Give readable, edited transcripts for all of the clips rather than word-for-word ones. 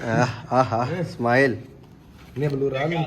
ਆਹਾ ਸਮਾਈਲ ਨੇ ਬਲੂ ਰਾਹ ਨੂੰ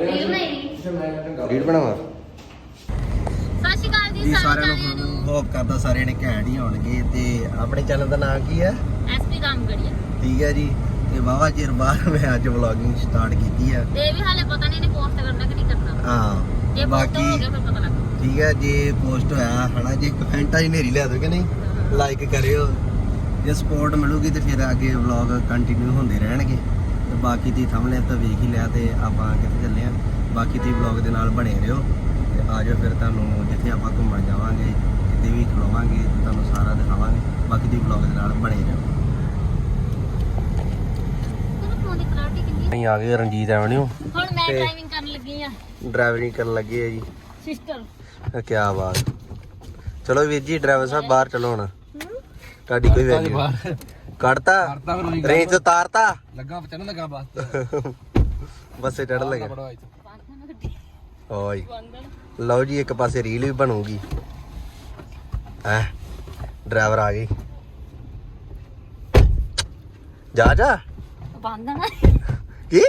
ਰੀਡ ਬਣਾਵਾ। ਸਤਿ ਸ਼੍ਰੀ ਅਕਾਲ ਜੀ ਸਾਰਿਆਂ ਨੂੰ ਹੋਪ ਕਰਦਾ ਸਾਰੇ ਨੇ ਘੈਂਟ ਹੀ ਹੋਣਗੇ। ਤੇ ਆਪਣੇ ਚੈਨਲ ਦਾ ਨਾਮ ਕੀ ਹੈ? ਐਸਪੀ ਰਾਮਗੜੀਆ। ਠੀਕ ਹੈ ਜੀ। ਤੇ ਵਾਵਾ ਚਿਰ ਬਾਅਦ ਮੈਂ ਅੱਜ ਵਲੌਗਿੰਗ ਸਟਾਰਟ ਕੀਤੀ ਹੈ। ਤੇ ਵੀ ਹਾਲੇ ਪਤਾ ਨਹੀਂ ਨੇ ਪੋਸਟ ਕਰਨਾ ਕਿ ਨਹੀਂ ਕਰਨਾ। ਹਾਂ ਜੇ ਬਾਕੀ ਹੋ ਗਿਆ ਫਿਰ ਪਤਾ ਲੱਗ। ਠੀਕ ਹੈ, ਜੇ ਪੋਸਟ ਹੋਇਆ ਹਨਾ, ਜੇ ਕਮੈਂਟਾਂ 'ਚ ਨੇਰੀ ਲਿਆ ਦੋ ਕਿ ਨਹੀਂ ਲਾਈਕ ਕਰਿਓ। ਜੇ ਸਪੋਰਟ ਮਿਲੂਗੀ ਤੇ ਫਿਰ ਅੱਗੇ ਵਲੌਗ ਕੰਟੀਨਿਊ ਹੁੰਦੇ ਰਹਿਣਗੇ। ਤੇ ਬਾਕੀ ਦੀ ਥੰਬਨੇਲ ਤਾਂ ਵੇਖ ਹੀ ਲਿਆ ਤੇ ਆਪਾਂ ਕਿੱਥੇ ਚੱਲੇ ਆ। ਬਾਕੀ ਦੀ ਵਲੌਗ ਦੇ ਨਾਲ ਬਣੇ ਰਹੋ ਤੇ ਆ ਜਾਓ ਫਿਰ ਤੁਹਾਨੂੰ ਜਿੱਥੇ ਆਪਾਂ ਘੁੰਮਣ ਜਾਵਾਂਗੇ ਜਿੱਥੇ ਵੀ ਖਲੋਵਾਂਗੇ ਤੁਹਾਨੂੰ ਸਾਰਾ ਦਿਖਾਵਾਂਗੇ। ਬਾਕੀ ਦੀ ਵਲੌਗ ਦੇ ਨਾਲ ਬਣੇ ਰਹੋ। ਅਸੀਂ ਆ ਗਏ ਰਣਜੀਤ ਐਵਨਿਊ। ਹੁਣ ਮੈਂ ਡਰਾਈਵਿੰਗ ਕਰਨ ਲੱਗੀ ਆ। ਡਰਾਈਵਿੰਗ ਕਰਨ ਲੱਗੇ ਆ ਜੀ ਸਿਸਟਰ। ਕੀ ਬਾਤ। ਚਲੋ ਵੀਰ ਜੀ ਡਰਾਈਵਰ ਸਾਹਿਬ ਬਾਹਰ ਚਲੋ ਹੁਣ। ਤੁਹਾਡੀ ਕੋਈ ਵੈਲਿਊ ਕੱਢਤਾ ਰੇਂਜ ਤੋਂ ਤਾਰਤਾ ਲੱਗਾ ਚੜਨ ਲੱਗਾ ਬਸ ਬੱਸੇ ਚੜ ਲੱਗਾ। ਓਏ ਲਓ ਜੀ ਇੱਕ ਪਾਸੇ ਰੀਲ ਵੀ ਬਣੂਗੀ। ਹੈ ਡਰਾਈਵਰ ਆ ਗਈ। ਜਾ ਜਾ ਬੰਦ ਨਾ ਕੀ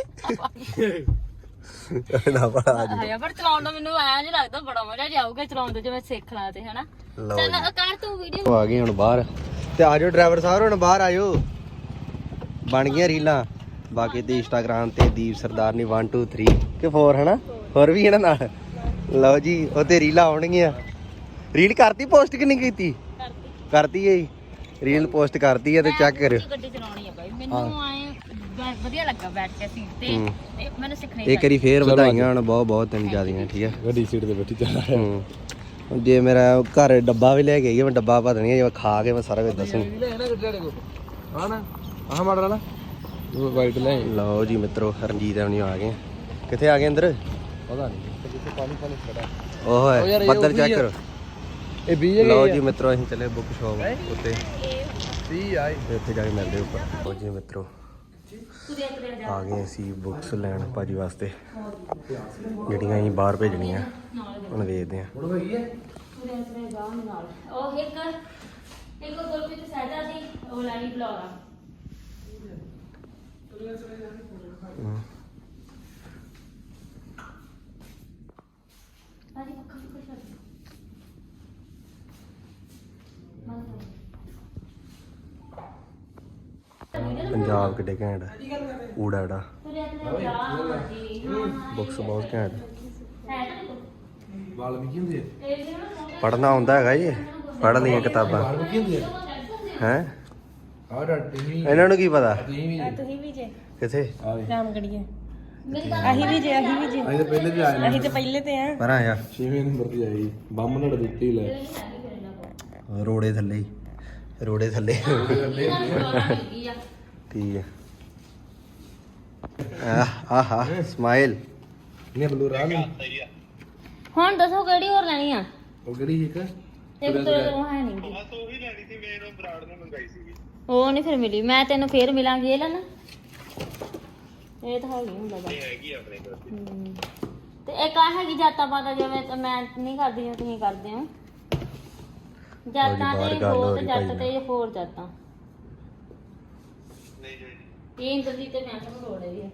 ਨਾ ਬੜਾ ਆ ਜੀ। ਪਰ ਚਲਾਉਣ ਦਾ ਮੈਨੂੰ ਆਇਆ ਨਹੀਂ ਲੱਗਦਾ ਬੜਾ ਮਜ਼ਾ ਜਾਊਗਾ ਚਲਾਉਣ ਦੇ ਜੇ ਮੈਂ ਸਿੱਖ ਲਾਂ ਤੇ ਹਨਾ। ਚੱਲ ਕਰ ਤੂੰ ਵੀਡੀਓ। ਆ ਗਏ ਹੁਣ ਬਾਹਰ ਤੇ ਆ ਜਾਓ ਡਰਾਈਵਰ ਸਾਹਿਬ ਹੁਣ ਬਾਹਰ ਆਇਓ। ਬਣ ਗਈਆਂ ਰੀਲਾਂ। ਬਾਕੀ ਤੇ ਇੰਸਟਾਗ੍ਰਾਮ ਤੇ ਦੀਪ ਸਰਦਾਰਨੀ 1 2 3 ਕਿ 4 ਹਨਾ ਹੋਰ ਵੀ ਇਹਨਾਂ ਨਾਲ। ਲਓ ਜੀ ਉਹ ਤੇ ਰੀਲਾਂ ਆਉਣਗੀਆਂ। ਰੀਲ ਕਰਤੀ ਪੋਸਟ ਕਿ ਨਹੀਂ ਕੀਤੀ? ਕਰਤੀ ਹੈ ਜੀ। ਰੀਲ ਪੋਸਟ ਕਰਤੀ ਹੈ ਤੇ ਚੈੱਕ ਕਰਿਓ। ਗੱਡੀ ਚਲਾਉਣੀ ਆ ਬਾਈ ਮੈਨੂੰ ਆਏ ਵਧੀਆ ਲੱਗਾ ਬੈਠ ਕੇ ਸੀਟ ਤੇ ਮੈਨੂੰ ਸਿੱਖਣੀ ਇੱਕ ਵਾਰੀ ਫੇਰ ਵਧਾਈਆਂ ਹੁਣ ਬਹੁਤ ਬਹੁਤ ਤੈਨੂੰ ਜ਼ਿਆਦੀਆਂ। ਠੀਕ ਹੈ ਗੱਡੀ ਸੀਟ ਤੇ ਬੈਠੀ ਚੱਲ ਹੁਣ ਜੇ ਮੇਰਾ ਘਰ ਡੱਬਾ ਵੀ ਲੈ ਕੇ ਆਈ ਮੈਂ ਡੱਬਾ ਪਾ ਦੇਣੀ ਜੇ ਖਾ ਕੇ ਮੈਂ ਸਾਰਾ ਕੁਝ ਦੱਸੂਗੀ। ਹਾਂ ਨਾ ਆਹ ਮਾਡਲ ਵਾਲਾ ਵਾਈਟ ਲੈ। ਲਓ ਜੀ ਮਿੱਤਰੋ ਰਣਜੀਤ ਐਵਨਿਊ ਆ ਗਏ। ਕਿੱਥੇ ਆ ਗਏ ਅੰਦਰ? ਪਤਾ ਨਹੀਂ ਕਿੱਥੇ ਪਾਣੀ ਖੜਾ। ਓਏ ਬੱਦਲ ਚੈੱਕ ਕਰੋ। ਇਹ 20 ਲਓ ਜੀ ਮਿੱਤਰੋ ਅਸੀਂ ਚੱਲੇ ਬੁੱਕ ਸ਼ਾਪ ਉੱਤੇ 30 ਆਈ ਉੱਥੇ ਜਾ ਕੇ ਮਿਲਦੇ ਉੱਪਰ। ਲਓ ਜੀ ਮਿੱਤਰੋ ਆ ਗਏ ਅਸੀਂ ਬੁੱਕਸ ਲੈਣ ਭਾਜੀ ਵਾਸਤੇ ਜਿਹੜੀਆਂ ਅਸੀਂ ਬਾਹਰ ਭੇਜਣੀਆਂ। ਹੁਣ ਵੇਖਦੇ ਹਾਂ। ਉਹ ਇੱਕ ਗੁਰਪ੍ਰੀਤ ਸਹਿਜਾ ਦੀ ਉਹ ਲਾਈ ਬਲੌਗ ਆ। ਪੰਜਾਬ ਕਿੱਡੇ ਘੈਂਟ ਊੜਾ ੜਾ ਬੁੱਕਸ ਬਹੁਤ ਘੈਂਟ। ਵਾਲਮੀਕੀ ਹੁੰਦੀ ਹੈ। ਪੜ੍ਹਨਾ ਆਉਂਦਾ ਹੈਗਾ ਜੀ। ਪੜ੍ਹ ਲਈਆਂ ਕਿਤਾਬਾਂ ਵਾਲਮੀਕੀ ਹੁੰਦੀ ਹੈ। ਹੈ ਆਹ ਡਾਟੀ ਵੀ ਇਹਨਾਂ ਨੂੰ ਕੀ ਪਤਾ ਤੁਸੀਂ ਵੀ ਜੇ ਕਿੱਥੇ ਰਾਮਗੜੀਏ ਅਸੀਂ ਵੀ ਜੇ ਅਸੀਂ ਤਾਂ ਪਹਿਲੇ ਤੇ ਆਏ ਅਸੀਂ ਤੇ ਪਹਿਲੇ ਤੇ ਆ। ਪਰ ਆਇਆ 6ਵੇਂ ਨੰਬਰ ਤੇ ਆਈ ਬੰਮ ਨੜ ਦਿੱਤੀ ਲੈ ਰੋੜੇ ਥੱਲੇ ਹੀ ਰੋੜੇ ਥੱਲੇ ਠੀਕ ਹੈ। ਆਹਾ ਸਮਾਈਲ ਨੇ ਬਲੂ ਰਾਹ ਨੂੰ ਹੁਣ ਦੱਸੋ ਕਿਹੜੀ ਹੋਰ ਲੈਣੀ ਆ? ਉਹ ਕਿਹੜੀ ਇੱਕ ਇੱਕ ਤੋਂ ਉਹ ਹੈ ਨਹੀਂ ਗੀ। ਉਹ ਨਹੀਂ ਫਿਰ ਮਿਲੀ। ਮੈਂ ਤੈਨੂੰ ਫੇਰ ਮਿਲਾਂਗੀ। ਇਹ ਲੈ ਨਾ ਇਹ ਤਾਂ ਹੈਗੀ ਹੁੰਦਾ ਬਸ। ਤੇ ਇੱਕ ਆ ਹੈਗੀ ਜਾਤਾਂ ਪਾਤਾਂ ਜਿਵੇਂ ਮੈਂ ਨਹੀਂ ਕਰਦੀ ਜਿਵੇਂ ਤੁਸੀਂ ਕਰਦੇ ਹੋ। ਜਾਤਾਂ ਤੇ ਹੋਰ ਤੇ ਜੱਟ ਤੇ ਹੋਰ ਜਾਤਾਂ। ਇਹ ਇੰਦਰਜੀਤ ਤੇ ਮੈਂ ਤੁਹਾਨੂੰ ਲੋੜ ਹੈ।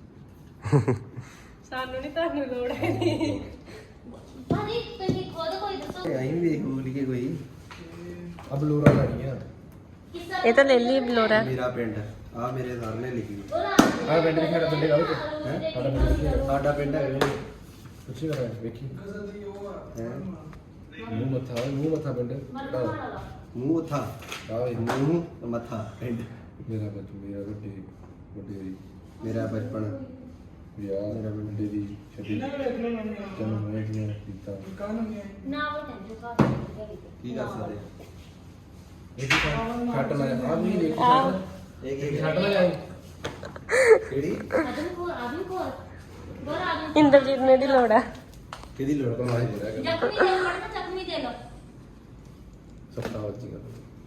ਸਾਨੂੰ ਨਹੀਂ ਤੁਹਾਨੂੰ ਲੋੜ ਹੈ। ਭਾਜੀ ਤੁਸੀਂ ਖੁਦ ਕੋਈ ਦੱਸੋ। ਅਸੀਂ ਵੀ ਵੇਖ ਲਈਏ ਕੋਈ। ਆ ਬਲੂਰਾ ਲੈਣੀ ਆ। ਇਹ ਤਾਂ ਲੈ ਲਈ ਬਲੋਰਾ। ਮੇਰਾ ਪਿੰਡ ਆ ਮੇਰੇ ਸਰ ਨੇ ਲਿਖੀ। ਆਹ ਪਿੰਡ ਦੇ ਖੇਡ ਪਿੰਡੇ ਗਾਉ ਸਾਡਾ ਪਿੰਡ ਹੈਗਾ ਪੁੱਛੀ ਕਰ ਵੇਖੀ ਹੈ ਮੂੰਹ ਮੱਥਾ ਪਿੰਡ ਮੂੰਹ ਮੱਥਾ ਆਹ ਮੂੰਹ ਮੱਥਾ ਪਿੰਡ ਮੇਰਾ ਵੱਡੇ ਮੇਰਾ ਬਚਪਨ ਵਿਆਹ ਮੇਰਾ ਮੁੰਡੇ ਦੀ ਛੱਡੀ ਜਨਮ ਹੋਇਆ ਕੀਤਾ ਨਾ ਉਹ ਟੈਂਸ਼ਨ ਕਰ ਕੀ ਕਰ ਸਕਦੇ ਇਹ ਛੱਟ ਲੈ ਆ ਵੀ ਵੇਖ ਇਹ ਕੀ ਛੱਟ ਲੈ ਜਾਈ ਕਿਹੜੀ ਆਦਮੀ ਕੋਲ ਬਰ ਆਦਮੀ ਇੰਦਰਜੀਤ ਨੇ ਦੀ ਲੋੜ ਆ। ਕਿਹਦੀ ਲੋੜ ਪਾ ਜ਼ਖਮੀ ਦੇ ਪੜਨਾ ਜ਼ਖਮੀ ਦੇ ਲੋ। ਸੱਤਾ ਵੱਜੀ ਗੱਲ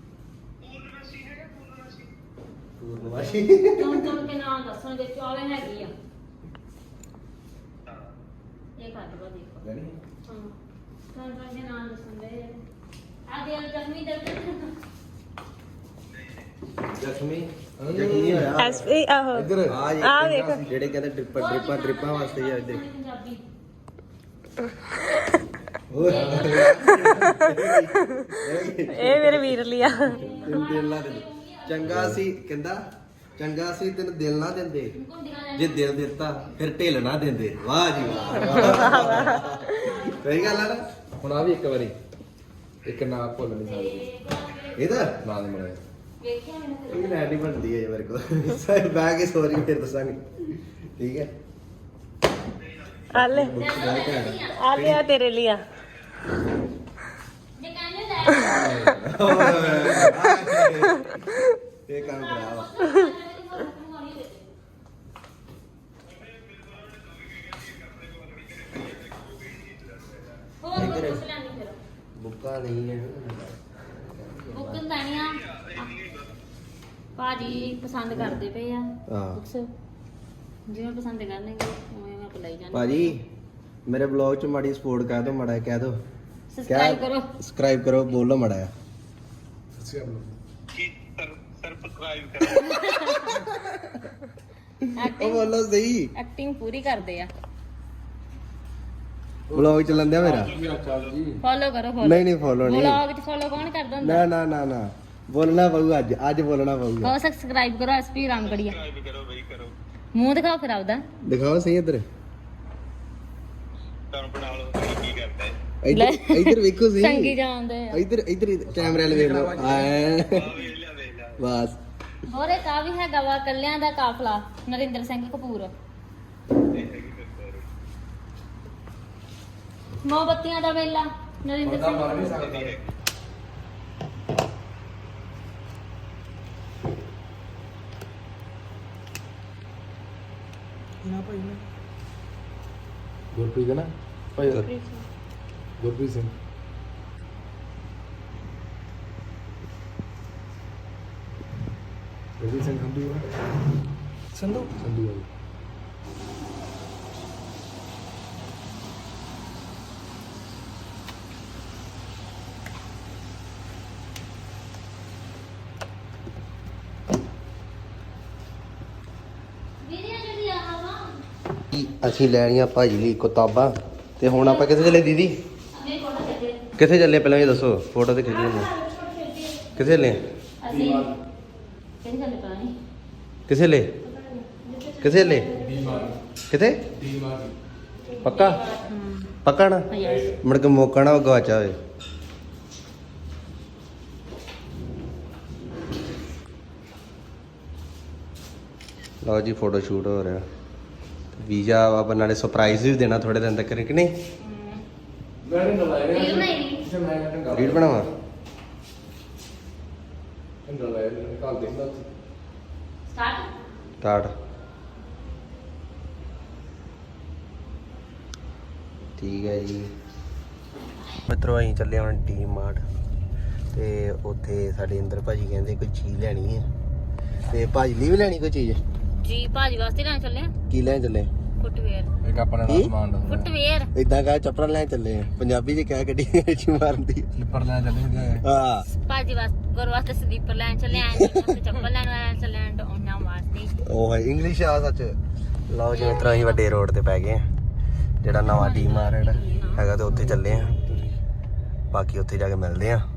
ਪੂਰਨਵਾਸ਼ੀ ਤੁਮ ਕੇ ਨਾਮ ਦੱਸਣ ਦੇ ਚੌਵੇਂ ਹੈਗੀ ਆ। ਇਹ ਕੱਟ ਲੋ ਦੇਖੋ। ਜਾਨੀ ਹਾਂ ਤੁਮ ਦੇ ਨਾਮ ਦੱਸਣ ਦੇ ਆ ਦੇ ਜ਼ਖਮੀ ਦੇ ਜ਼ਖਮੀ ਹੋਇਆ ਐਸਪੀ ਆਹੋ ਇੱਧਰ ਆ ਵੇਖ ਜਿਹੜੇ ਕਹਿੰਦੇ ਡ੍ਰਿਪਾਂ ਵਾਸਤੇ ਹੀ ਆ ਇੱਧਰ ਪੰਜਾਬੀ ਇਹ ਮੇਰੇ ਵੀਰ ਲਈ ਆ ਤੈਨੂੰ ਦਿਲ ਨਾ ਦਿੰਦੇ ਚੰਗਾ ਸੀ ਕਹਿੰਦਾ ਚੰਗਾ ਸੀ ਤੈਨੂੰ ਦਿਲ ਨਾ ਦਿੰਦੇ ਜੇ ਦਿਲ ਦਿੱਤਾ ਫਿਰ ਢਿੱਲ ਨਾ ਦਿੰਦੇ ਵਾਹ ਜੀ ਵਾਹ ਸਹੀ ਗੱਲ ਆ ਨਾ ਹੁਣ ਆ ਵੀ ਇੱਕ ਵਾਰੀ ਇੱਕ ਨਾ ਭੁੱਲ ਨਹੀਂ ਸਕਦੇ ਇਹਦਾ ਨਾ ਦੇ ਮਰੇ ਵੇਖਿਆ ਮੈਨੂੰ ਇਹ ਲੈਟ ਹੀ ਬਣਦੀ ਹੈ ਜੇ ਮੇਰੇ ਕੋਲ ਸਾਰੇ ਬਹਿ ਕੇ ਸੋਰੀ ਫਿਰ ਦੱਸਾਂਗੇ ਠੀਕ ਹੈ ਆ ਲੈ ਆ ਲੈ ਆ ਤੇਰੇ ਲਈ ਆ ਜੇ ਕਹਿੰਦੇ ਲੈ ਇਹ ਕੰਮ ਕਰਾ ਵਾ ਹੋਰ ਕੁਝ ਲੈਣੀ ਫਿਰ ਬੁੱਕਾ ਨਹੀਂ ਹੈ ਬੁੱਕ ਲੈਣੀਆਂ ਭਾਜੀ ਪਸੰਦ ਕਰਦੇ ਪਏ ਆ ਹਾਂ ਬੁੱਕਸ ਜਿਵੇਂ ਪਸੰਦ ਕਰਨਗੇ ਉਵੇਂ ਮੈਂ ਅਪਲਾਈ ਜਾਣੀ ਭਾਜੀ ਮੇਰੇ ਬਲੌਗ ਚ ਮਾੜੀ ਸਪੋਰਟ ਕਰ ਦਿਓ ਮਾੜਾ ਕਹਿ ਦਿਓ ਸਬਸਕ੍ਰਾਈਬ ਕਰੋ ਸਬਸਕ੍ਰਾਈਬ ਕਰੋ ਬੋਲੋ ਮਾੜਾ ਜਿਹਾ। ਉਹ ਬੋਲੋ ਸਹੀ ਐਕਟਿੰਗ ਪੂਰੀ ਕਰਦੇ ਆ ਬਲੌਗ ਚੱਲਣ ਦਿਆ ਮੇਰਾ ਚੱਲ ਜੀ ਫੋਲੋ ਕਰੋ ਫੋਲੋ ਨਹੀਂ ਨਹੀਂ ਫੋਲੋ ਨਹੀਂ ਵਲੌਗ ਚ ਫੋਲੋ ਕੌਣ ਕਰਦਾ ਹੁੰਦਾ ਨਾ ਨਾ ਨਾ ਨਾ ਬੋਲਣਾ ਪਊਗਾ ਅੱਜ ਬੋਲਣਾ ਪਊਗਾ ਕਹੋ ਸਬਸਕ੍ਰਾਈਬ ਕਰੋ ਐਸਪੀ ਰਾਮਗੜੀਆ ਕਰੋ ਮੂੰਹ ਦਿਖਾਓ ਫਿਰ ਆਪਦਾ ਦਿਖਾਓ ਸਹੀ ਇੱਧਰ ਲੈ। ਇੱਧਰ ਵੇਖੋ ਸਹੀ ਸੰਗੀ ਜਾਂਦੇ ਆ ਇੱਧਰ ਕੈਮਰੇ ਵਾਲੇ ਵੇਖ ਲਓ ਆਏ ਬਸ ਹੋਰ ਇੱਕ ਆ ਵੀ ਹੈਗਾ ਵਾ ਕੱਲਿਆਂ ਦਾ ਕਾਫਲਾ ਨਰਿੰਦਰ ਸਿੰਘ ਕਪੂਰ ਮੋਮਬੱਤੀਆਂ ਦਾ ਵੇਲਾ ਨਰਿੰਦਰ ਸਿੰਘ ਮਰ ਨਹੀਂ ਕਪੂਰ। ਸਕਦਾ ਗੁਰਪ੍ਰੀਤ ਨਾ ਭਾਈ ਗੁਰਪ੍ਰੀਤ ਸਿੰਘ ਗੁਰਪ੍ਰੀਤ ਸਿੰਘ ਸੰਧੂ ਸੰਧੂ ਵਾਲੀ ਵੀਡੀਓ ਜਿਹੜੀ ਆ ਵਾ ਅਸੀਂ ਲੈਣੀਆਂ ਭਾਜੀ ਲਈ ਕਿਤਾਬਾਂ ਤੇ ਹੁਣ ਆਪਾਂ ਕਿੱਥੇ ਚੱਲੇ ਦੀਦੀ ਮੇਰੇ ਕੋਲ ਚੱਲੇ ਕਿੱਥੇ ਚੱਲੇ ਪਹਿਲਾਂ ਇਹ ਦੱਸੋ ਫੋਟੋ ਤੇ ਖਿੱਚੀ ਨੇ ਕਿੱਥੇ ਚੱਲੇ ਅਸੀਂ ਕਿਹਨੇ ਚੱਲੇ ਪਤਾ ਨਹੀਂ ਕਿੱਥੇ ਲੈ ਕਿੱਥੇ ਲੈ ਕਿੱਥੇ ਪੱਕਾ ਪੱਕਾ ਨਾ ਯੈਸ ਮੁੜ ਕੇ ਮੌਕਾ ਨਾ ਗਵਾਚਾ ਹੋਵੇ ਲਓ ਜੀ ਫੋਟੋ ਸ਼ੂਟ ਹੋ ਰਿਹਾ ਵੀਜ਼ਾ ਆਪਾਂ ਨਾਲੇ ਸਰਪ੍ਰਾਈਜ਼ ਵੀ ਦੇਣਾ ਥੋੜੇ ਦਿਨ ਤੱਕ ਕਿ ਨਹੀਂ ਗਾੜੀ ਨਾ ਲਾਇਆ ਰੀਲ ਨਹੀਂ ਕਿਸੇ ਮੈਂ ਢੰਗਾ ਰੀਡ ਬਣਾਵਾ ਢੰਗਾ ਲਾਇਆ ਨਿਕਾਲ ਦੇਂਦਾ ਸਟਾਰਟ ਸਟਾਰਟ ਠੀਕ ਹੈ ਜੀ ਮਿੱਤਰੋ ਅਸੀਂ ਚੱਲੇ ਹੁਣ ਡੀ ਮਾਰਟ ਤੇ ਉੱਥੇ ਸਾਡੇ ਇੰਦਰ ਭਾਜੀ ਕਹਿੰਦੇ ਕੋਈ ਚੀਜ਼ ਲੈਣੀ ਹੈ ਤੇ ਭਾਜੀ ਲਈ ਵੀ ਲੈਣੀ ਕੋਈ ਚੀਜ਼ ਜੀ ਭਾਜੀ ਵਾਸਤੇ ਲੈਣ ਚੱਲੇ ਆ ਕੀ ਲੈਣ ਚੱਲੇ ਫੁੱਟਵੇਅਰ ਇੱਕ ਆਪਣਾ ਕੀ? ਸਮਾਨ ਦਾ ਫੁੱਟਵੇਅਰ ਇਦਾਂ ਕਹ ਚੱਪਲਾਂ ਲੈਣ ਚੱਲੇ ਆ ਪੰਜਾਬੀ ਚ ਕਹਿ ਗੱਡੀ ਵਿੱਚ ਮਾਰਦੀ ਸਲਿੱਪਰ ਲੈਣ ਚੱਲੇ ਹੁੰਦੇ ਆ ਹਾਂ ਭਾਜੀ ਵਾਸਤੇ ਗੁਰ ਵਾਸਤੇ ਸਲੀਪਰ ਲੈਣ ਚੱਲੇ ਆਂ ਤੇ ਚੱਪਲ ਲੈਣ ਚੱਲੇ ਆਂ ਉਹਨਾਂ ਵਾਸਤੇ ਉਹ ਹੈ ਇੰਗਲਿਸ਼ ਆ ਸੱਚ ਲਓ ਜੀ ਮਿੱਤਰੋ ਅਸੀਂ ਵੱਡੇ ਰੋਡ ਤੇ ਪੈ ਗਏ ਆ ਜਿਹੜਾ ਨਵਾਂ ਡੀ ਮਾਰਟ ਹੈਗਾ ਤੇ ਉੱਥੇ ਚੱਲੇ ਆ ਬਾਕੀ ਉੱਥੇ ਜਾ ਕੇ ਮਿਲਦੇ ਆ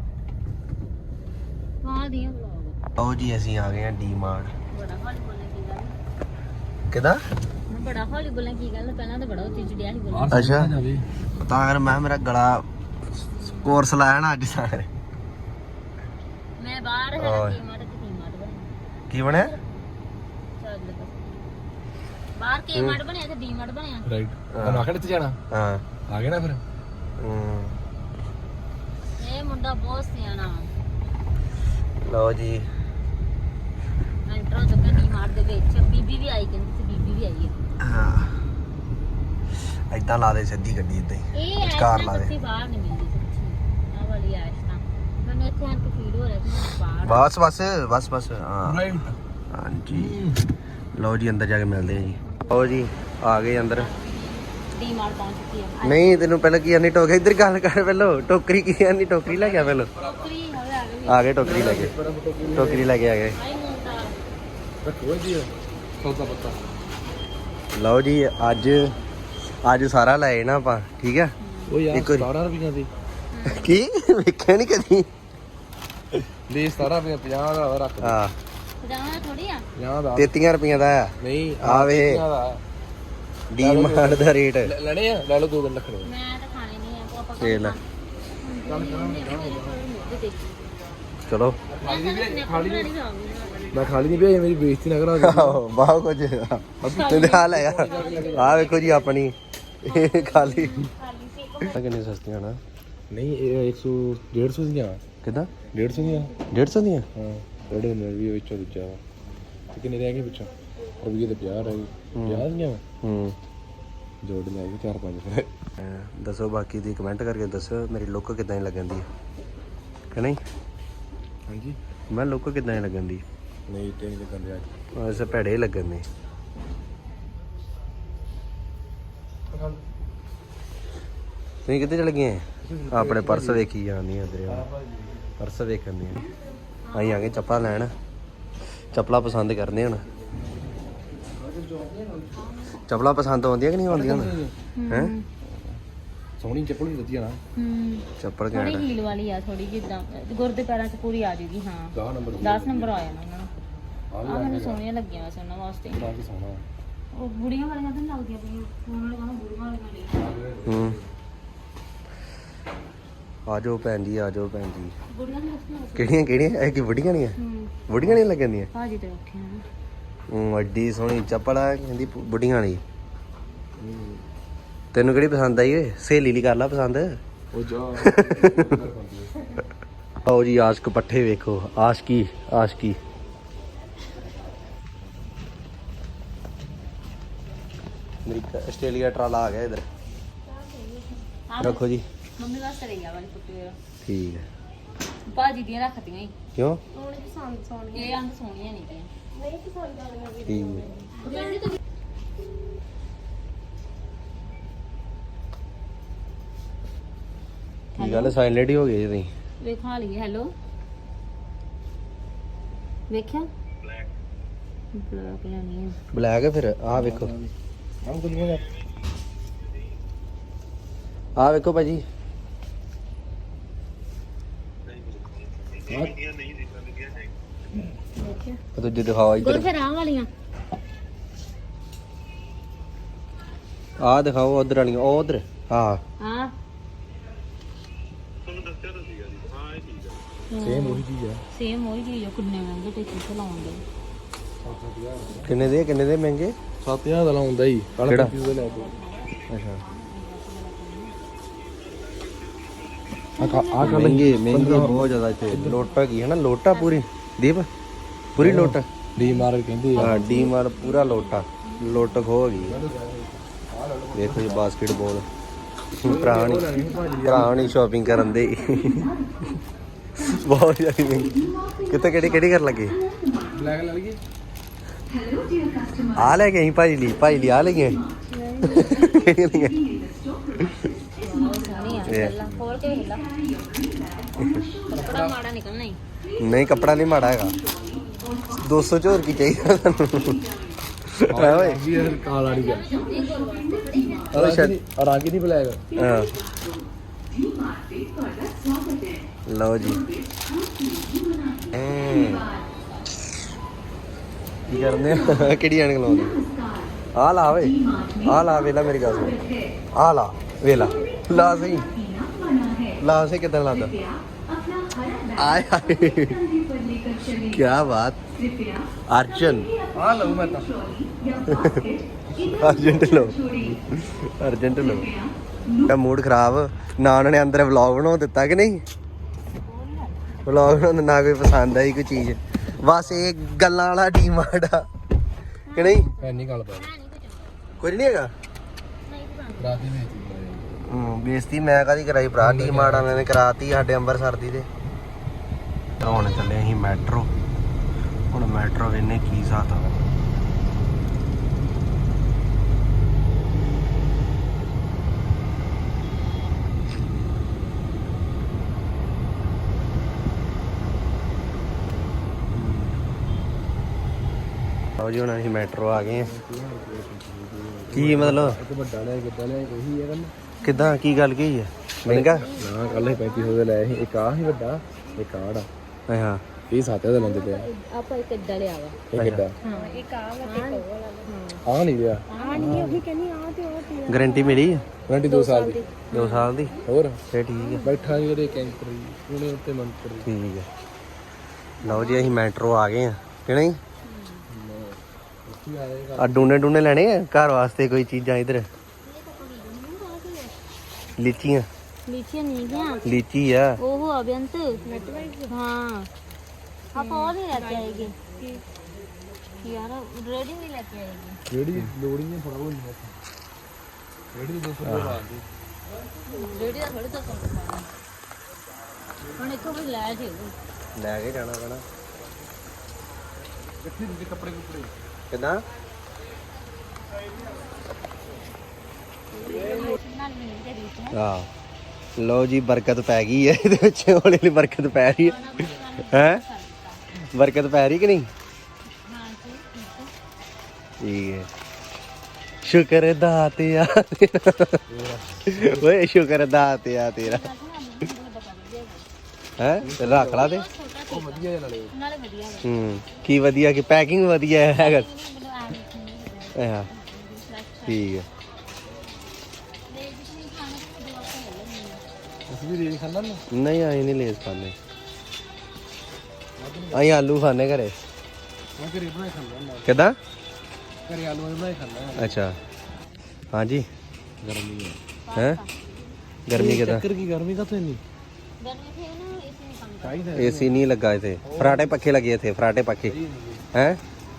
ਹਾਂ ਦੀਆਂ ਵਲੌਗ ਆਓ ਜੀ ਅਸੀਂ ਆ ਗਏ ਆ ਡੀ ਮਾਰਟ ਬੜਾ ਹੌਲੀ ਬੋਲਣ ਕੀ ਗੱਲ ਕਿਦਾਂ ਮੈਂ ਬੜਾ ਹੌਲੀ ਬੋਲਣ ਕੀ ਗੱਲ ਪਹਿਲਾਂ ਤਾਂ ਬੜਾ ਉੱਚੀ ਚੜਿਆ ਸੀ ਬੋਲਣ ਅੱਛਾ ਤਾਂ ਕਰ ਮੈਂ ਮੇਰਾ ਗਲਾ ਕੋਰਸ ਲਾਇਆ ਨਾ ਅੱਜ ਸਾਰੇ ਮੈਂ ਬਾਹਰ ਹੈ ਓਏ। ਕੀ ਮਾਰ ਬਣਿਆ ਕੀ ਬਣਿਆ ਚੱਲ ਲੱਗਾ ਬਾਹਰ ਕੀ ਮਾਰ ਬਣਿਆ ਤੇ ਡੀ ਮਾਰ ਬਣਿਆ ਰਾਈਟ ਤੁਹਾਨੂੰ ਆਖੜ ਤੇ ਜਾਣਾ ਹਾਂ ਆ ਗਏ ਨਾ ਫਿਰ ਹਮ, ਇਹ ਮੁੰਡਾ ਬਹੁਤ ਸਿਆਣਾ ਲਓ ਜੀ ਐਂਟਰ ਹੋ ਚੁੱਕਾ ਡੀ ਮਾਰ ਦੇ ਵਿੱਚ ਬੀਬੀ ਵੀ ਆਈ ਕਹਿੰਦੀ ਸੀ ਬੀਬੀ ਵੀ ਆਈ ਹੈ ਹਾਂ ਏਦਾਂ ਲਾ ਦੇ ਸਿੱਧੀ ਗੱਡੀ ਏਦਾਂ ਹੀ ਇਹ ਵਿਚਕਾਰ ਐਸ਼ ਲਾ ਨਾ ਦੇ ਸੱਚੀ ਬਾਹਰ ਨਹੀਂ ਮਿਲਦੀ ਸੱਚੀ ਆਹ ਵਾਲੀ ਐਸ਼ ਨਾ ਮੈਨੂੰ ਇੱਥੇ ਆਣ ਕੇ ਫੀਲ ਹੋ ਰਿਹਾ ਕਿ ਮੈਂ ਬਾਹਰ ਬਸ ਹਾਂ ਰਾਈਟ ਹਾਂਜੀ ਲਓ ਜੀ ਅੰਦਰ ਜਾ ਕੇ ਮਿਲਦੇ ਆ ਜੀ ਲਓ ਜੀ ਆ ਗਏ ਅੰਦਰ ਡੀ ਮਾਰ ਪਹੁੰਚ ਚੁੱਕੀ ਆ ਨਹੀਂ ਤੈਨੂੰ ਪਹਿਲਾਂ ਕੀ ਆਨੀ ਟੋਕ ਇੱਧਰ ਗੱਲ ਕਰ ਪਹਿਲਾਂ ਟੋਕਰੀ ਕੀ ਆਨੀ ਟੋਕਰੀ ਲੈ ਗਿਆ ਪਹਿਲਾਂ ਟੋਕਰੀ ਹਵੇ ਆ ਗਈ ਆ ਗਏ ਟੋਕਰੀ ਲੈ ਕੇ ਟੋਕਰੀ ਲੈ ਕੇ ਆ ਗਏ ਆਈ ਮੁੰਡਾ ਰੱਖੋ ਜੀ ਸੌਦਾ ਪੱਤਾ ਲਓ ਜੀ ਅੱਜ ਸਾਰਾ ਲਾਏ ਨਾ ਆਪਾਂ ਠੀਕ ਆ ਉਹ ਯਾਰ ਇੱਕ ਵਾਰੀ। 17 ਰੁਪਈਆਂ ਦੀ ਕੀ ਵੇਖਿਆ ਨਹੀਂ ਕਦੀ ਦੇ 17 ਰੁਪਏ 50 ਦਾ ਰੱਖ ਆ ਜਾਣਾ ਥੋੜੀ ਆ 50 ਦਾ 33 ਰੁਪਈਆਂ ਦਾ ਆ ਨਹੀਂ ਆ ਵੇ। 50 ਦਾ। ਡੀਮਾਰਟ ਦਾ ਰੇਟ ਲੈਣੇ ਆ ਲੈ ਲਓ 2 ਦਿਨ ਰੱਖਣੇ ਮੈਂ ਤਾਂ ਖਾਣੇ ਨਹੀਂ ਆ ਪਾਪਾ ਤੇ ਲੈ ਚਲੋ ਮੈਂ ਖਾਲੀ ਨਹੀਂ ਭੇਜ ਮੇਰੀ ਬੇਇੱਜ਼ਤੀ ਨਾ ਕਰਾ ਬਹੁਤ ਕੁਝ ਤੇ ਹਾਲ ਹੈ ਆ ਵੇਖੋ ਜੀ ਆਪਣੀ ਇਹ ਖਾਲੀ ਕਿੰਨੀ ਸਸਤੀਆਂ ਨਾ ਨਹੀਂ ਇਹ 100 150 ਦੀਆਂ ਕਿਦਾਂ 150 ਦੀਆਂ 150 ਦੀਆਂ ਹਾਂ ਜਿਹੜੇ ਨੇ ਵੀ ਵਿੱਚੋਂ ਦੂਜਾ ਵਾ ਤੇ ਕਿੰਨੇ ਰਹਿ ਗਏ ਵਿੱਚੋਂ ਰੁਪਈਏ ਤੇ 50 ਰਹਿ ਗਏ 50 ਦੀਆਂ ਵਾ ਹੂੰ ਜੋੜ ਲੈ ਕੇ 4-5 ਫਿਰ ਦੱਸੋ ਬਾਕੀ ਦੀ ਕਮੈਂਟ ਕਰਕੇ ਦੱਸੋ ਮੇਰੀ ਲੁੱਕ ਕਿਦਾਂ ਦੀ ਲੱਗਣ ਦੀ ਕਿ ਨਹੀਂ ਹਾਂਜੀ ਮੈਂ ਲੁੱਕ ਕਿਦਾਂ ਦੀ ਲੱਗਣ ਦੀ ਨਹੀਂ ਤੇ ਨਹੀਂ ਲੱਗਣ ਦਿਆ ਐਸੇ ਭੈੜੇ ਲੱਗਣ ਦੀ ਤੁਸੀਂ ਕਿੱਥੇ ਚਲ ਗਏ ਆਪਣੇ ਪਰਸ ਵੇਖੀ ਜਾਂਦੀ ਉਧਰ ਪਰਸ ਵੇਖਣ ਦੀ ਅਸੀਂ ਆ ਗਏ ਚੱਪਲਾਂ ਲੈਣ ਚੱਪਲਾਂ ਪਸੰਦ ਕਰਦੇ ਹੁਣ ਚੱਪਲਾਂ ਪਸੰਦ ਆਉਂਦੀਆਂ ਕਿ ਨਹੀਂ ਆਉਂਦੀਆਂ ਹੁਣ ਹੈ ਸੋਹਣੀ ਚੱਪਲ ਵੀ ਵਧੀਆ ਨਾ ਚੱਪਲ ਥੋੜੀ ਘੈਂਟ ਹੀਲ ਵਾਲੀ ਆ ਥੋੜੀ ਜਿੱਦਾਂ ਗੁਰਦੇ ਪੈਰਾਂ 'ਚ ਪੂਰੀ ਆ ਜੂਗੀ ਹਾਂ 10 ਨੰਬਰ 10 ਨੰਬਰ ਆ ਜਾਣਾ ਉਹਨਾਂ ਨੂੰ ਆ ਮੈਨੂੰ ਸੋਹਣੀਆਂ ਲੱਗੀਆਂ ਵੈਸੇ ਉਹਨਾਂ ਵਾਸਤੇ ਬੜਾ ਕੀ ਸੋਹਣਾ ਉਹ ਬੁੜੀਆਂ ਵਾਲੀਆਂ ਤਾਂ ਨੀ ਲੱਗਦੀਆਂ ਪਈਆਂ ਉਹਨਾਂ ਨੇ ਕਹਣਾ ਬੁੜੀਆਂ ਵਾਲੀਆਂ ਨੇ ਆਜੋ ਭੈਣ ਜੀ ਆਜੋ ਭੈਣ ਜੀ ਬੁੜੀਆਂ ਨੂੰ ਦੱਸਣਾ ਕਿਹੜੀਆਂ ਕਿਹੜੀਆਂ ਇਹ ਕੀ ਬੁੱਢੀਆਂ ਨਹੀਂ ਆ ਬੁੱਢੀਆਂ ਨਹੀਂ ਲੱਗਣਦੀਆਂ ਭਾਜੀ ਤੇ ਉੱਠੇ ਆ ਵੱਡੀ ਸੋਹਣੀ ਚੱਪਲ ਆ ਕਹਿੰਦੀ ਬੁੱਢੀਆਂ ਵਾਲੀ ਤੈਨੂੰ ਕਿਹੜੀ ਪਸੰਦ ਆਈ ਓਏ ਸਹੇਲੀ ਲਈ ਕਰ ਲਾ ਪਸੰਦ ਉਹ ਜਾ ਆਓ ਜੀ ਆਸ਼ਕ ਪੱਠੇ ਵੇਖੋ ਆਸ਼ਕੀ ਆਸ਼ਕੀ ਮੇਰੀ ਆਸਟ੍ਰੇਲੀਆ ਟਰਾਲਾ ਆ ਗਿਆ ਇਧਰ ਰੱਖੋ ਜੀ ਮੰਮੀ ਵਾਸਤੇ ਰਹੀ ਆ ਵਾਲੀ ਫੁੱਟੀ ਵੇਰਾ ਠੀਕ ਹੈ ਭਾਜੀ ਦੀਆਂ ਰੱਖਤੀਆਂ ਹੀ ਕਿਉਂ ਉਹਨੇ ਪਸੰਦ ਸੋਹਣੀਆਂ ਇਹ ਅੰਗ ਸੋਹਣੀਆਂ ਨਹੀਂ ਗਈਆਂ ਨਹੀਂ ਪਸੰਦ ਆਲੀਆਂ ਵੀ ਠੀਕ ਹੈ ਕੀ ਗੱਲ ਸਾਇਲੈਂਟ ਹੀ ਹੋ ਗਏ ਜੀ ਤੁਸੀਂ ਵੇਖਾ ਲਈਏ ਹੈਲੋ ਵੇਖਿਆ ਬਲੈਕ ਲੈਣੀ ਆ ਬਲੈਕ ਹੈ ਫਿਰ ਆਹ ਵੇਖੋ ਹਮ ਕੁਲੀਆਂ ਆਹ ਵੇਖੋ ਭਾਜੀ ਵੇਖਿਆ ਉਹ ਦੂਜੇ ਦਿਖਾਓ ਗੁਰ ਇੱਧਰ ਫਿਰ ਆਹ ਵਾਲੀਆਂ ਆਹ ਦਿਖਾਓ ਉਧਰ ਵਾਲੀਆਂ ਉਹ ਉਧਰ ਹਾਂ ਹਾਂ ਸੇਮ ਉਹੀ ਚੀਜ਼ ਆ ਸੇਮ ਉਹੀ ਚੀਜ਼ ਆ ਕਿੰਨੇ ਮਹਿੰਗੇ ਤੇ ਕਿੱਥੇ ਲਾਉਂਦੇ ਕਿੰਨੇ ਦੇ ਮਹਿੰਗੇ 7000 ਦਾ ਲਾਉਂਦਾ ਹੀ ਕੱਲ ਕਿਹੜਾ? ਦਾ ਲੈ ਕੇ ਅੱਛਾ ਆ ਕਰ ਮਹਿੰਗੇ ਬਹੁਤ ਜ਼ਿਆਦਾ ਇੱਥੇ ਲੋਟਾ ਕੀ ਹੈ ਨਾ ਲੋਟਾ ਪੂਰੀ ਦੀਪ ਪੂਰੀ ਲੋਟਾ ਡੀ ਮਾਰ ਕਹਿੰਦੇ ਆ ਹਾਂ ਡੀ ਮਾਰ ਪੂਰਾ ਲੋਟਾ ਲੁੱਟ ਖੋ ਗਈ ਵੇਖੋ ਜੀ ਬਾਸਕਟਬਾਲ ਭਰਾ ਨਹੀਂ ਸ਼ਾਪਿੰਗ ਕਰਨ ਦੇ ਬਹੁਤ ਜ਼ਿਆਦਾ ਮਹਿੰਗੀ ਕਿਤੇ ਕਿਹੜੀ ਕਰਨ ਲੱਗੇ ਬਲੈਕ ਲੈ ਲਈਏ ਆ ਲੈ ਗਏ ਭਾਜੀ ਲਈ ਆ ਲੈ ਗਏ ਕਿਹੜੀਆਂ ਲਈਆਂ ਸੋਹਣੀ ਆ ਪਹਿਲਾਂ ਖੋਲ ਕੇ ਵੇਖ ਲਾ ਕੱਪੜਾ ਮਾੜਾ ਨਿਕਲਣਾ ਹੀ ਨਹੀਂ ਕੱਪੜਾ ਨਹੀਂ ਮਾੜਾ ਹੈਗਾ 200 ਚ ਹੋਰ ਕੀ ਚਾਹੀਦਾ ਤੁਹਾਨੂੰ ਹੈ ਓਏ ਵੀ ਇਹ ਕਾਲਾ ਨਹੀਂ ਗਿਆ ਉਹ ਸ਼ਾਇਦ ਰੰਗ ਹੀ ਨਹੀਂ ਬਲੈਕ ਹਾਂ ਲਓ ਜੀ ਕੀ ਕਰਦੇ ਆ ਕਿਹੜੀ ਐਨਕ ਲਾਉਂਦੇ ਆ ਲਾ ਵੇ ਆ ਲਾ ਵੇਲਾ ਮੇਰੀ ਗੱਲ ਸੁਣ ਆ ਲਾ ਵੇਲਾ ਲਾ ਸਹੀ ਲਾ ਸਹੀ ਕਿੱਦਾਂ ਲਾਦਾ ਆਏ ਹਾਏ ਕੀ ਬਾਤ ਅਰਜਨ ਆ ਲਊ ਮੈਂ ਤਾਂ ਅਰਜੈਂਟ ਲੋ ਤਾਂ ਮੂਡ ਖਰਾਬ ਨਾ ਉਹਨਾਂ ਨੇ ਅੰਦਰ ਵਲੌਗ ਬਣਾ ਦਿੱਤਾ ਕਿ ਨਹੀਂ ਵਲੌਗ ਬਣਾਉਣ ਨਾ ਕੋਈ ਪਸੰਦ ਆਈ ਕੋਈ ਚੀਜ਼ ਬਸ ਇਹ ਗੱਲਾਂ ਵਾਲਾ ਡੀਮਾਰਟ ਆ ਕਿ ਨਹੀਂ ਐਨੀ ਗੱਲ ਪਾ ਕੁਝ ਨਹੀਂ ਹੈਗਾ ਰਾਤੀ ਵਿੱਚ ਬੇਇੱਜ਼ਤੀ ਮੈਂ ਕਾਹਦੀ ਕਰਾਈ ਭਰਾ ਡੀਮਾਰਟ ਵਾਲਿਆਂ ਨੇ ਕਰਾਤੀ ਸਾਡੇ ਅੰਮ੍ਰਿਤਸਰ ਦੀ ਤੇ ਹੁਣ ਚੱਲੇ ਅਸੀਂ ਮੈਟਰੋ ਹੁਣ ਮੈਟਰੋ ਵੇਨੇ ਕੀ ਹਿਸਾਬ ਆ ਲਓ ਜੀ ਹੁਣ ਅਸੀਂ ਮੈਟਰੋ ਆ ਗਏ ਆ। ਕੀ ਮਤਲਬ ਇੱਕ ਵੱਡਾ ਲਿਆ ਕਿੱਦਾਂ ਲਿਆ ਉਹੀ ਹੈ ਕਿੱਦਾਂ ਕੀ ਗੱਲ ਕੀ ਹੈ ਮਹਿੰਗਾ? ਨਾ ਕੱਲ 3500 ਦੇ ਲਏ ਸੀ। ਇੱਕ ਆਹ ਸੀ ਵੱਡਾ, ਇੱਕ ਆਹ ੜਾ। ਹਾਂ ਇਹ 7000 ਦਾ ਲੈਂਦੇ ਪਿਆ। ਆਪਾਂ ਇੱਕ ਇੱਦਾਂ ਲਿਆ ਵਾ। ਇਹ ਕਿੱਦਾਂ? ਹਾਂ ਇੱਕ ਆ ਵਾ ਆਹ ਨਹੀਂ ਲਿਆ। ਆ ਨਹੀਂ ਉਹੀ ਕਹਿੰਦੀ ਆ ਤੇ ਉਹ ਤੇ ਗਾਰੰਟੀ ਮਿਲੀ ਹੈ ਵਾਰੰਟੀ 2 ਸਾਲ ਦੀ। 2 ਸਾਲ ਦੀ? ਹੋਰ ਫੇਰ ਠੀਕ ਹੈ। ਬੈਠਾ ਜਿਹੜੇ ਕੈਂਟਰ ਉਹਨੇ ਉੱਤੇ ਮੰਤਰ ਠੀਕ ਹੈ। ਲਓ ਜੀ ਅਸੀਂ ਮੈਟਰੋ ਆ ਗਏ ਆ ਕਿ ਨਹੀਂ? ਆ ਡੂਨੇ ਲੈਣੇ ਆ ਘਰ ਵਾਸਤੇ ਕੋਈ ਚੀਜ਼ਾਂ ਇਧਰ? ਲੀਚੀਆਂ ਨਹੀਂ ਗਿਆ ਲੀਚੀ ਆ ਉਹ ਅਬਿਅੰਤ ਹਾਂ ਆਪਾਂ ਉਹ ਨਹੀਂ ਲੈ ਕੇ ਆਏਗੇ ਯਾਰ ਰੈਡੀ ਨਹੀਂ ਲੈ ਕੇ ਆਏਗੇ ਜਿਹੜੀ ਲੋੜੀ ਨੇ ਥੋੜਾ ਬਹੁਤ ਨਹੀਂ ਜਿਹੜੀ 200 ਰੁਪਏ ਲਾਉਂਦੀ ਰੈਡੀ ਦਾ ਥੋੜੇ ਤੋਂ ਹੁਣ ਇੱਥੋਂ ਵੀ ਲੈ ਜੇ ਲੈ ਕੇ ਜਾਣਾ ਪੈਣਾ। ਕਿੱਥੇ ਦੇ ਕੱਪੜੇ ਕੁੱਪੜੇ ਕਿੱਦਾਂ? ਹਾਂ ਲਓ ਜੀ ਬਰਕਤ ਪੈ ਗਈ ਹੈ ਇਹਦੇ ਵਿੱਚ, ਹੌਲੀ ਹੌਲੀ ਬਰਕਤ ਪੈ ਰਹੀ ਹੈ। ਹੈ ਬਰਕਤ ਪੈ ਰਹੀ ਕਿ ਨਹੀਂ? ਠੀਕ ਹੈ। ਸ਼ੁਕਰ ਦਾਤਿਆ ਓਏ ਸ਼ੁਕਰ ਦਾਤਿਆ ਤੇਰਾ। ਹੈ ਰੱਖ ਲਾ ਤੇ ਉਹ ਵਧੀਆ ਜਿਹਾ ਨਾਲੇ ਵਧੀਆ ਕੀ ਵਧੀਆ ਕਿ ਪੈਕਿੰਗ ਵਧੀਆ ਹੈਗਾ। ਹਾਂ ਠੀਕ ਹੈ। ਅਸੀਂ ਵੀ ਰੇਜ ਖਾਂਦਾ ਨਾ। ਨਹੀਂ ਆਈ ਨਹੀਂ ਲੇਸ ਖਾਂਦੇ, ਅਸੀਂ ਆਲੂ ਖਾਂਦੇ ਘਰੇ। ਮੈਂ ਘਰੇ ਬਣਾਏ ਖਾਂਦਾ ਨਾ। ਕਿੱਦਾਂ? ਘਰੇ ਆਲੂ ਬਣਾਏ ਖਾਂਦਾ। ਅੱਛਾ ਹਾਂਜੀ ਗਰਮੀ ਹੈ ਗਰਮੀ ਕਿੱਦਾਂ? ਚੱਕਰ ਕੀ ਗਰਮੀ ਕਾਹਤੋਂ ਇੰਨੀ? ਗਰਮੀ ਥੇ ਨਾ ਇਸੇ ਨੂੰ ਕੰਮ ਚਾਹੀਦਾ ਏਸੀ ਨਹੀਂ ਲੱਗਾ ਇੱਥੇ, ਫਰਾਟੇ ਪੱਖੇ ਲੱਗੇ ਇੱਥੇ, ਫਰਾਟੇ ਪੱਖੇ ਹੈ।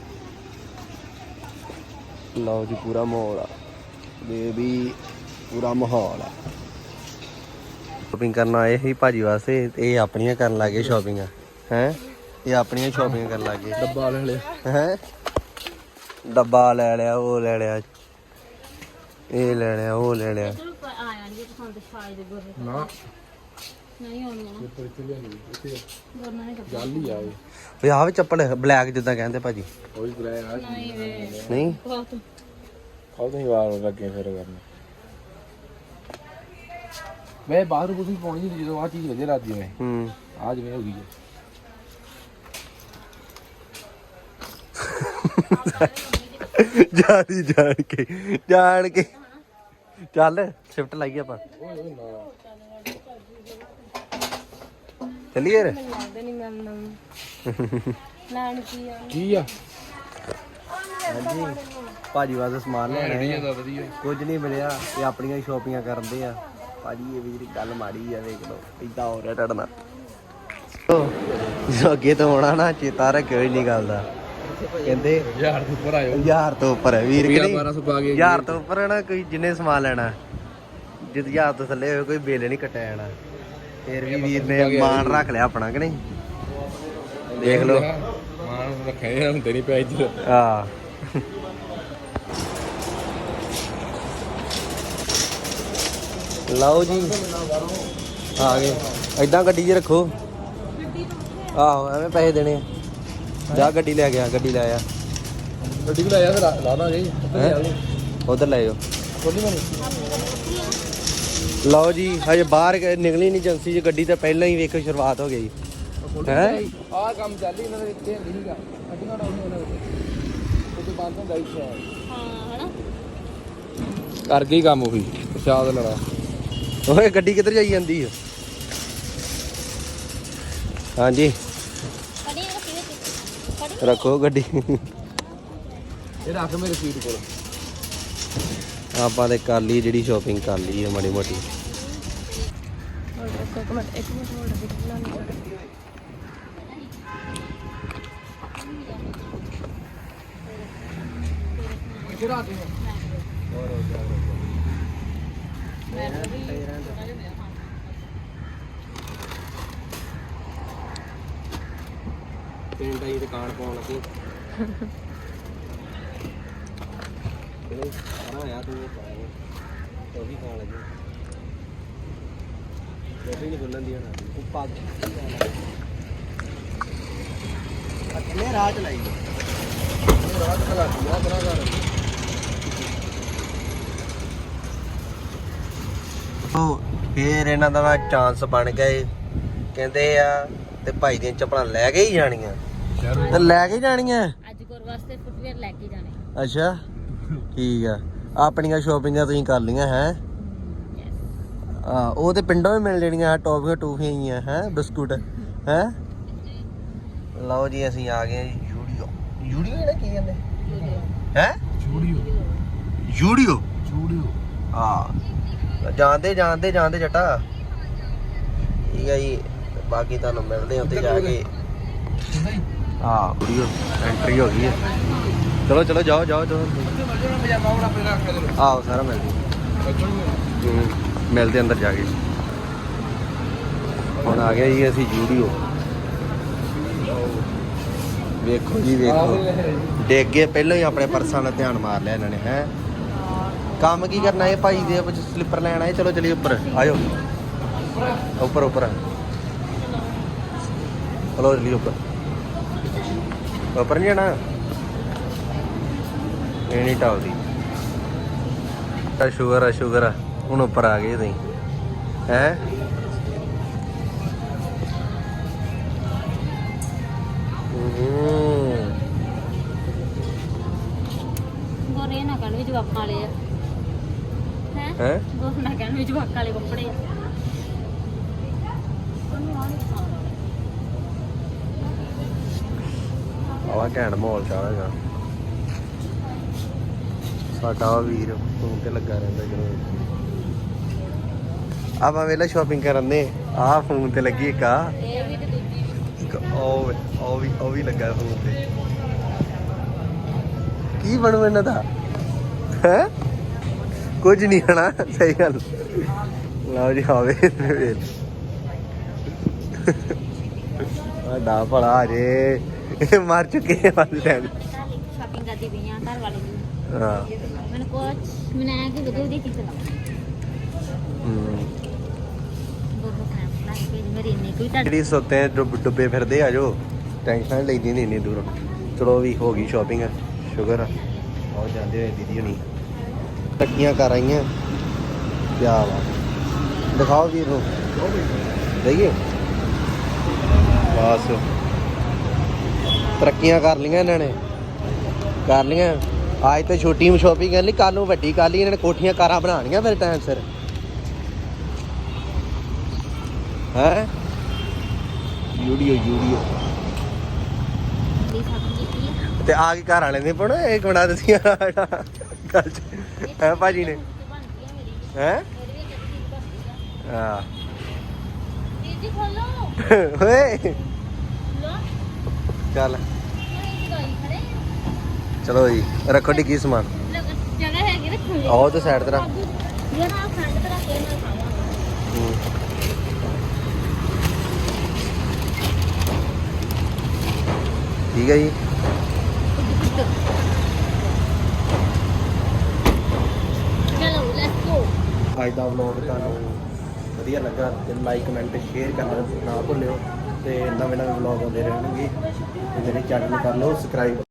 ਲਓ ਜੀ ਪੂਰਾ ਮਾਹੌਲ ਆ ਬੇਬੀ, ਪੂਰਾ ਮਾਹੌਲ ਆ। ਸ਼ੋਪਿੰਗ ਕਰਨ ਆਏ ਸੀ ਭਾਜੀ ਵਾਸਤੇ, ਇਹ ਆਪਣੀਆਂ ਕਰਨ ਲੱਗੇ ਸ਼ੋਪਿੰਗ ਹੈ। ਇਹ ਆਪਣੀਆਂ ਸ਼ੋਪਿੰਗ ਕਰਨ ਲੱਗੇ। ਡੱਬਾ ਲੈ ਲਿਆ ਹੈ ਡੱਬਾ ਲੈ ਲਿਆ, ਉਹ ਲੈ ਲਿਆ, ਇਹ ਲੈ ਲਿਆ, ਉਹ ਲੈ ਲਿਆ। ਆਇਆ ਜੀ ਪਸੰਦ ਸ਼ਾਇਦ ਗੁਰ ਨਾ ਨਹੀਂ ਹੋਣੀ ਨਾ ਉੱਪਰ ਇੱਥੇ ਲਿਆਂਦੀ ਇੱਥੇ ਗੁਰ ਨਹੀਂ ਕੱਪੜਾ ਗੱਲ ਹੀ ਆਏ ਓਏ ਆਹ ਵੀ ਚੱਪਲ ਬਲੈਕ ਜਿੱਦਾਂ ਕਹਿੰਦੇ ਭਾਜੀ? ਕੋਈ ਗ੍ਰਹਿ ਆ ਨਹੀਂ ਬਹੁਤ ਖਾਉ ਤੁਸੀਂ ਵਾਰ ਲੱਗੇ ਫਿਰ ਕਰਨ। ਮੈਂ ਬਾਹਰ ਕੁਝ ਪਾਉਣੀ ਨਹੀਂ ਜਦੋਂ ਆ ਚੀਜ਼ ਵਧੀਆ ਲੱਗਦੀ ਮੈਂ ਆ ਜਿਵੇਂ ਹੋ ਗਈ ਹੈ। ਜਾਣ ਕੇ ਚੱਲ ਸ਼ਿਫਟ ਲਾਈਏ ਆਪਾਂ। ਓਏ ਨਾ ਚੱਲੀਏ ਯਾਰ। ਲੱਗਦਾ ਨਹੀਂ ਮੈਨੂੰ ਲੈਣ ਕੀ ਆ ਹਾਂਜੀ ਭਾਜੀ ਵਾਸਤੇ ਸਮਾਨ ਲੈਣਾ ਹੈ, ਵਧੀਆ ਕੁਝ ਨਹੀਂ ਮਿਲਿਆ, ਇਹ ਆਪਣੀਆਂ ਸ਼ੋਪਿੰਗਾਂ ਕਰਦੇ ਆ ਭਾਜੀ। ਇਹ ਵੀ ਜਿਹੜੀ ਗੱਲ ਮਾੜੀ ਆ, ਵੇਖ ਲਓ ਇਦਾਂ ਹੋ ਰਿਹਾ ਤੁਹਾਡੇ ਨਾਲ। ਜੋ ਅੱਗੇ ਤੋਂ ਆਉਣਾ ਨਾ ਚੇਤਾ ਰੱਖਿਓ ਇੰਨੀ ਗੱਲ ਦਾ। ਕਹਿੰਦੇ 1000 ਤੋਂ ਉੱਪਰ ਆਇਓ। 1000 ਤੋਂ ਉੱਪਰ ਹੈ ਵੀਰ ਕਿ ਨਹੀਂ? 1200 ਪਾ ਕੇ 1000 ਤੋਂ ਉੱਪਰ ਹੈ ਨਾ, ਕੋਈ ਜਿੰਨੇ ਸਮਾਨ ਲੈਣਾ, ਜਿੱਦ 1000 ਤੋਂ ਥੱਲੇ ਹੋਵੇ ਕੋਈ ਬਿੱਲ ਨਹੀਂ ਕੱਟਿਆ ਜਾਣਾ। ਫਿਰ ਵੀ ਵੀਰ ਨੇ ਮਾਨ ਰੱਖ ਲਿਆ ਆਪਣਾ ਕਿ ਨਹੀਂ? ਦੇਖ ਲਓ ਮਾਨ ਰੱਖਿਆ ਹੁੰਦੇ ਨਹੀਂ ਪਿਆ ਇੱਧਰ। ਆ ਲਓ ਜੀ ਆ ਗਏ। ਏਦਾਂ ਗੱਡੀ 'ਚ ਰੱਖੋ। ਆਹੋ ਐਵੇਂ ਪੈਸੇ ਦੇਣੇ ਆ। ਜਾ ਗੱਡੀ ਲੈ ਗਿਆ, ਗੱਡੀ ਲੈ ਆ। ਗੱਡੀ ਵੀ ਲਾਇਆ ਫਿਰ ਲਾ ਦਾਂਗੇ ਉਧਰ ਲੈ ਜਾਓ। ਖੋਲੀ ਬਣੀ ਲਓ ਜੀ ਹਜੇ ਬਾਹਰ ਨਿਕਲੀ ਨਹੀਂ ਏਜੰਸੀ 'ਚ ਗੱਡੀ, ਤਾਂ ਪਹਿਲਾਂ ਹੀ ਵੇਖੋ ਸ਼ੁਰੂਆਤ ਹੋ ਗਈ ਹੈ। ਆਹ ਕੰਮ ਚੱਲ ਹੀ ਇਹਨਾਂ ਦੇ ਇੱਥੇ ਨਹੀਂ ਸੀਗਾ ਅੱਡੀਆਂ ਨਾ ਉਹਨਾਂ ਦੇ ਉੱਤੇ ਬੰਦ ਹੁੰਦਾ ਇੱਥੇ ਹਾਂ ਹਨਾ ਕਰ ਗਈ ਕੰਮ ਉਹੀ ਪ੍ਰਸ਼ਾਦ ਲੜਾ। ਓਏ ਗੱਡੀ ਕਿੱਧਰ ਜਾਈ ਜਾਂਦੀ ਹੈ? ਹਾਂਜੀ ਕੜੀ ਰੱਖੀ ਵਿੱਚ ਕੜੀ ਰੱਖੋ ਗੱਡੀ। ਇਹ ਰੱਖ ਮੇਰੇ ਸੀਟ ਕੋਲ। ਆਪਾਂ ਤੇ ਕਰ ਲਈ ਜਿਹੜੀ ਸ਼ੋਪਿੰਗ ਕਰ ਲਈ ਹੈ ਮਾੜੀ ਮੋਟੀ। ਇੱਕ ਮਿੰਟ ਹੋਲਡ ਇੱਥੇ ਰੱਖ ਦੇ ਪਿੰਡ ਆਈ ਦੁਕਾਨ ਪਾਉਣ ਲੱਗੇ। ਆਇਆ ਤੂੰ ਉਹ ਵੀ ਖਾਣ ਲੱਗੇ। ਉਹ ਵੀ ਨਹੀਂ ਬੋਲਣ ਦੀ ਹਣਾ ਉਹ ਪੱਗ ਅੱਲੇ ਰਾਤ ਲਾਈ ਉਹ ਫੇਰ ਇਹਨਾਂ ਦਾ ਚਾਂਸ ਬਣ ਗਿਆ ਏ। ਕਹਿੰਦੇ ਆ ਤੇ ਭਾਈ ਦੀਆਂ ਚੱਪਲਾਂ ਲੈ ਕੇ ਹੀ ਜਾਣੀਆਂ ਤੇ ਲੈ ਕੇ ਜਾਣੀਆਂ ਅੱਜ ਗੁਰ ਵਾਸਤੇ ਫੁੱਟਵੇਅਰ ਲੈ ਕੇ ਜਾਣੇ। ਅੱਛਾ ਠੀਕ ਆ। ਆਪਣੀਆਂ ਸ਼ੋਪਿੰਗਾਂ ਤੁਸੀਂ ਕਰ ਲੀਆਂ ਹੈ? ਉਹ ਤੇ ਪਿੰਡੋਂ ਵੀ ਮਿਲ ਜਾਣੀਆਂ ਟੌਫੀਆਂ ਟੂਫੀਆਂ ਹੀ ਆ ਹੈ ਬਿਸਕੁਟ ਹੈ। ਲਓ ਜੀ ਅਸੀਂ ਆ ਗਏ ਜੀ ਯੂਡੀਓ। ਯੂਡੀਓ ਇਹਦਾ ਕੀ ਕਹਿੰਦੇ ਹੈ? ਯੂਡੀਓ ਹਾਂ ਜਾਂਦੇ ਜੱਟਾ ਠੀਕ ਹੈ ਜੀ। ਬਾਕੀ ਤੁਹਾਨੂੰ ਮਿਲਦੇ ਹਾਂ ਉੱਥੇ ਜਾ ਕੇ। ਹਾਂ ਵੀਡੀਓ ਐਂਟਰੀ ਹੋ ਗਈ ਹੈ। ਚਲੋ ਜਾਓ ਆਓ ਸਾਰਾ ਮਿਲ ਜੀ। ਮਿਲਦੇ ਅੰਦਰ ਜਾ ਕੇ। ਹੁਣ ਆ ਗਏ ਜੀ ਅਸੀਂ ਯੂਡੀਓ। ਵੇਖੋ ਜੀ ਵੇਖੋ ਡਿੱਗ ਗਏ ਪਹਿਲਾਂ ਹੀ ਆਪਣੇ ਪਰਸਾਂ ਦਾ ਧਿਆਨ ਮਾਰ ਲਿਆ ਇਹਨਾਂ ਨੇ ਹੈ। ਕੰਮ ਕੀ ਕਰਨਾ ਇਹ ਭਾਈ ਦੇ ਵਿੱਚ ਸਲਿੱਪਰ ਲੈਣ ਆਏ। ਚਲੋ ਚਲੀਏ ਉੱਪਰ ਆਜੋ ਉੱਪਰ ਚਲੋ ਚਲੀਏ ਉੱਪਰ ਨਹੀਂ ਜਾਣਾ ਇਹ ਨਹੀਂ ਟਾਲਦੀ। ਸ਼ੂਗਰ ਆ ਹੁਣ ਉੱਪਰ ਆ ਗਏ ਤੁਸੀਂ ਹੈ। ਗੋਰੇ ਨਾ ਕਹਿਣ ਵੀ ਜਵਾਕਾਂ ਵਾਲੇ ਆ ਹੈ ਗੋਰੇ ਨਾ ਕਹਿਣ ਵੀ ਜਵਾਕਾਂ ਵਾਲੇ ਕੱਪੜੇ ਆ। ਆਵਾ ਘੈਂਟ ਮਾਹੌਲ ਚਾਹਾਂਗਾ। ਸਾਡਾ ਵੀਰ ਫੋਨ ਤੇ ਲੱਗਾ ਰਹਿੰਦਾ ਜਦੋਂ ਆਪਾਂ ਵੇਲੇ ਸ਼ਾਪਿੰਗ ਕਰਨ ਦੇ। ਆਹ ਫੋਨ ਤੇ ਲੱਗੀ ਇੱਕ ਆ ਇਹ ਵੀ ਤੇ ਦੂਜੀ ਵੀ। ਇੱਕ ਉਹ ਵੀ ਲੱਗਾ ਫੋਨ ਤੇ। ਕੀ ਬਣੂ ਇਹਨਾਂ ਦਾ ਹੈ? ਕੁਝ ਨਹੀਂ ਹਨਾ ਸਹੀ ਗੱਲ। ਲਓ ਜੀ ਆਵੇ ਡਾ ਭਲਾ ਜੇ ਮਰ ਚੁੱਕੇ ਵਾਲੇ ਟਾਈਮ। ਸ਼ਾਪਿੰਗ ਕਰਦੀ ਪਈ ਆ ਘਰ ਵਾਲੇ ਦੀ। ਹਾਂ ਮੈਨੂੰ ਐ ਕਿ ਵਧੀਆ ਵਧੀਆ ਚੀਜ਼ਾਂ ਲਾਓ। ਦੋਨੋਂ ਖਾਣਾ ਕੇ ਮੇਰੀ ਇੰਨੀ ਕੋਈ ਤਾਂ ਜਿਹੜੀ ਸੁੱਤੇ ਡੁੱਬੇ ਫਿਰਦੇ ਆ ਜੋ ਟੈਨਸ਼ਨ ਲੈਂਦੀ ਨਹੀਂ ਇੰਨੀ ਦੂਰੋਂ। ਚਲੋ ਵੀ ਹੋ ਗਈ ਸ਼ਾਪਿੰਗ ਸ਼ੁਕਰ ਆ। ਆਓ ਜਾਂਦੇ ਹੋਏ ਦੀਦੀ ਹੁਣੀ ਟੱਕੀਆਂ ਕਰ ਆਈਆਂ। ਕਿਆ ਵਾ ਦਿਖਾਓ ਵੀਰ ਨੂੰ ਦੇਈਏ ਬਸ। ਤਰੱਕੀਆਂ ਕਰ ਲਈਆਂ ਇਹਨਾਂ ਨੇ ਕਰ ਲਈਆਂ। ਅੱਜ ਤੇ ਛੋਟੀ ਸ਼ਾਪਿੰਗ ਕਰ ਲਈ ਕੱਲ ਨੂੰ ਵੱਡੀ ਕਰ ਲਈ ਇਹਨਾਂ ਨੇ। ਕੋਠੀਆਂ ਕਾਰਾਂ ਬਣਾਉਣੀਆਂ ਫਿਰ ਟਾਈਮ ਸਿਰ ਹੈ। ਯੂਡੀਓ ਦੀ ਸ਼ਾਪਿੰਗ ਕੀਤੀ ਆ। ਤੇ ਆ ਕੇ ਘਰ ਵਾਲੇ ਨੇ ਪੜੋ ਇਹ ਗੁਣਾ ਦਸੀਆਂ ਗੱਲ ਚ ਹੈ ਭਾਜੀ ਨੇ ਹੈ। ਹਾਂ ਦੀਦੀ ਖੋਲੋ ਓਏ ਲੋ ਚੱਲ ਗਾਈ ਖੜੇ ਚਲੋ ਜੀ ਰੱਖੋ ਡੀ ਕੀ ਸਮਾਨ। ਜਗ੍ਹਾ ਹੈਗੀ ਰੱਖਣ ਲਈ। ਆਓ ਤੇ ਸਾਈਡ ਤੇ ਰੱਖ। ਯਾਰ ਆ ਖੰਡ ਤੇ ਰੱਖ ਕੇ ਨਾ ਖਾਵਾਂ। ਠੀਕ ਹੈ ਜੀ। ਚਲੋ ਲੈਟਸ ਗੋ। ਅੱਜ ਦਾ ਵਲੌਗ ਤੁਹਾਨੂੰ ਵਧੀਆ ਲੱਗਾ ਤੇ ਲਾਈਕ ਕਮੈਂਟ ਸ਼ੇਅਰ ਕਰਨਾ ਨਾ ਭੁੱਲਿਓ। ਤੇ ਨਵੇਂ ਵਲੌਗ ਆਉਂਦੇ ਰਹਿਣਗੇ ਤੇ ਮੇਰੇ ਚੈਨਲ ਨੂੰ ਕਰ ਲਓ ਸਬਸਕ੍ਰਾਈਬ।